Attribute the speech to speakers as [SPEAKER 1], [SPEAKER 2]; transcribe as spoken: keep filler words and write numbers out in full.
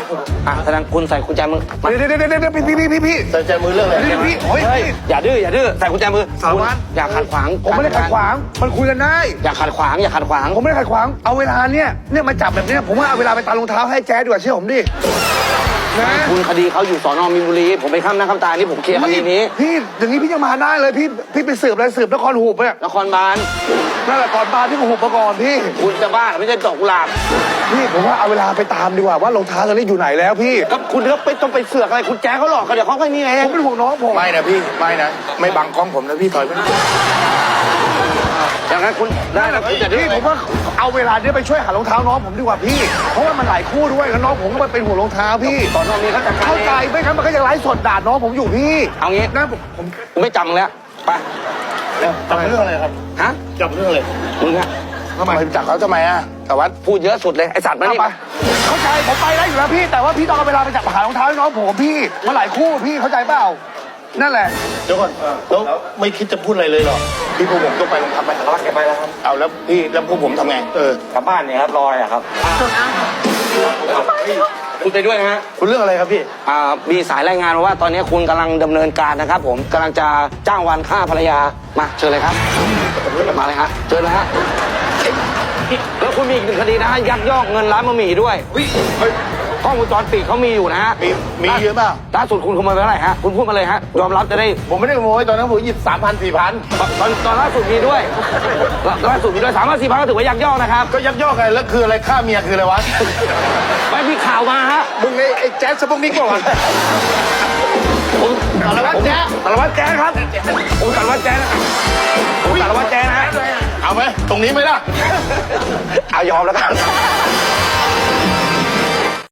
[SPEAKER 1] อ่ะแสดงคุณใส่กุญแจมือ
[SPEAKER 2] เดี๋ยวเดี๋ยวเดี๋ยวพี่พี่พี่พี่
[SPEAKER 3] ใส่ใจมือเรื่องอะไร
[SPEAKER 2] พี่พี่โอ้ย
[SPEAKER 1] เฮ้ยอย่าดื้ออย่าดื้อใส่กุญแจมือ
[SPEAKER 2] สารวัตร
[SPEAKER 1] อย่าขัดขวาง
[SPEAKER 2] ผมไม่ได้ขัดขวางมันคุยกันได้
[SPEAKER 1] อย่าขัดขวางอย่าขัดขวาง
[SPEAKER 2] ผมไม่ได้ขัดขวางเอาเวลาเนี่ยเนี่ยมาจับแบบเนี้ยผมว่าเอาเวลาไปตารองเท้าให้แจ๊ดดีกว่าเชื่อผมดินะ
[SPEAKER 1] คุณคดีเขาอยู่สอนอมีนบุรีผมไปข้ามหน้าข้ามตานี่ผมเคลียร์คดีนี้
[SPEAKER 2] พี่อย่างนี้พี่ยังมาได้เลยพี่พี่ไปสืบอะไรสืบนครหูบเนี่ย
[SPEAKER 1] นครบาล
[SPEAKER 2] นั่นแหละก่อนบาร์พี่ก็หูบมาก่อนพี่
[SPEAKER 1] คุณจะบ้าไม่ใช่ดอกกุหลาบ
[SPEAKER 2] พี่ผมว่าเอาเวลาไปตามดีกว่าว่ารองเท้าตอนนี้อยู่ไหนแล้วพี่
[SPEAKER 1] ก็คุณก็ไปต้องไปเสือกอะไรคุณแจ้งเขาหรอกเขาเดี๋ยวเขาก็นี่ไง
[SPEAKER 2] ผมเป็นห่วงน้องผม
[SPEAKER 3] ไม่นะพี่ไม่นะไม่บังกล้องผมนะพี่ถอยไป
[SPEAKER 1] อย่างนั้นคุณได้แล้วคุณจะดื้อ
[SPEAKER 2] พี่ผมว่าเอาเวลาเนี้ยไปช่วยหารองเท้าน้องผมดีกว่าพี่เพราะว่ามันหลายคู่ด้วยแล้วน้องผมก็มาเป็นห่วงรองเท้าพี่
[SPEAKER 1] สอนอมีเขาจัดการ
[SPEAKER 2] เข้าใจไม่งั้นมันก็ยังไลฟ์สดด่าน้องผมอยู่พี่
[SPEAKER 1] เอางี้
[SPEAKER 2] นะผมผม
[SPEAKER 1] กูไม่จำมึงแล้วไป
[SPEAKER 3] จับเรื่องอะไรครับ
[SPEAKER 1] ฮะ
[SPEAKER 3] จับเรื่องอะไร
[SPEAKER 1] มึงฮะ
[SPEAKER 2] ทำไม
[SPEAKER 3] ไปจับเขาทำไมอ่ะแต่ว่า
[SPEAKER 1] พูดเยอะสุดเลยไอสัตว์มา
[SPEAKER 2] เอา
[SPEAKER 1] นี่
[SPEAKER 2] ไปเข้าใจผมไปได้อยู่แล้วพี่ แต่ว่าพี่ต้องเอาเวลาไปจับหารองเท้าให้น้องผมพี่มันหลายคู่พี่เข้าใจเปล่านั่นแหละ
[SPEAKER 3] เดี๋ยวก่อนแล้วไม่คิดจะพูดอะไรเลยเหรอพี่พวกผมต้องไปโรงพักไปสารวัตรแกไปแล้วครับเอาแล้วพี่แล้วพวกผมทำไงเออก
[SPEAKER 1] ลับบ้านเนี่ยครับรอยอะครับคุณไปด้วยนะฮะ
[SPEAKER 3] คุณเรื่องอะไรครับพี่
[SPEAKER 1] อ่ามีสายรายงานมาว่าตอนนี้คุณกำลังดำเนินการนะครับผมกำลังจะจ้างวานฆ่าภรรยามาเชิญเลยครับมาเลยฮะเชิญเลยฮะแล้วคุณมีอีกหนึ่งคดีนะฮะยักยอกเงินร้านบะหมี่ด้วยกล้องวงจรปิดเขามีอยู่นะฮะ
[SPEAKER 3] มีมีเยอะเปล่า
[SPEAKER 1] ล่าสุดคุณขโมยไปเท่าไหร่ฮะคุณพูดมาเลยฮะยอมรับจะได้
[SPEAKER 3] ผมไม่ได้ขโมยตอนนั้นผมหยิบสามพันสี่พัน
[SPEAKER 1] ตอนตอนล่าสุดมีด้วยล่าสุดมีด้วยสามพันสี่พันก็ถือว่ายักยอกนะครับ
[SPEAKER 3] ก็ยักยอกไงแล้วคืออะไรฆ่าเมียคืออะไรวะ
[SPEAKER 1] ไม่มีข่าวมาฮะ
[SPEAKER 3] มึงไอ้ไอ้แจ๊สสปุกนิกก่อน
[SPEAKER 1] ผมสารวัตรแจ๊สารวัตรแจ๊สครับผมสารวัตรแจ๊สนะผมสารวัตรแจ๊สนะฮะ
[SPEAKER 3] เอาไหมตรงนี้ไหมล่ะ
[SPEAKER 1] เอายอมแล้วกัน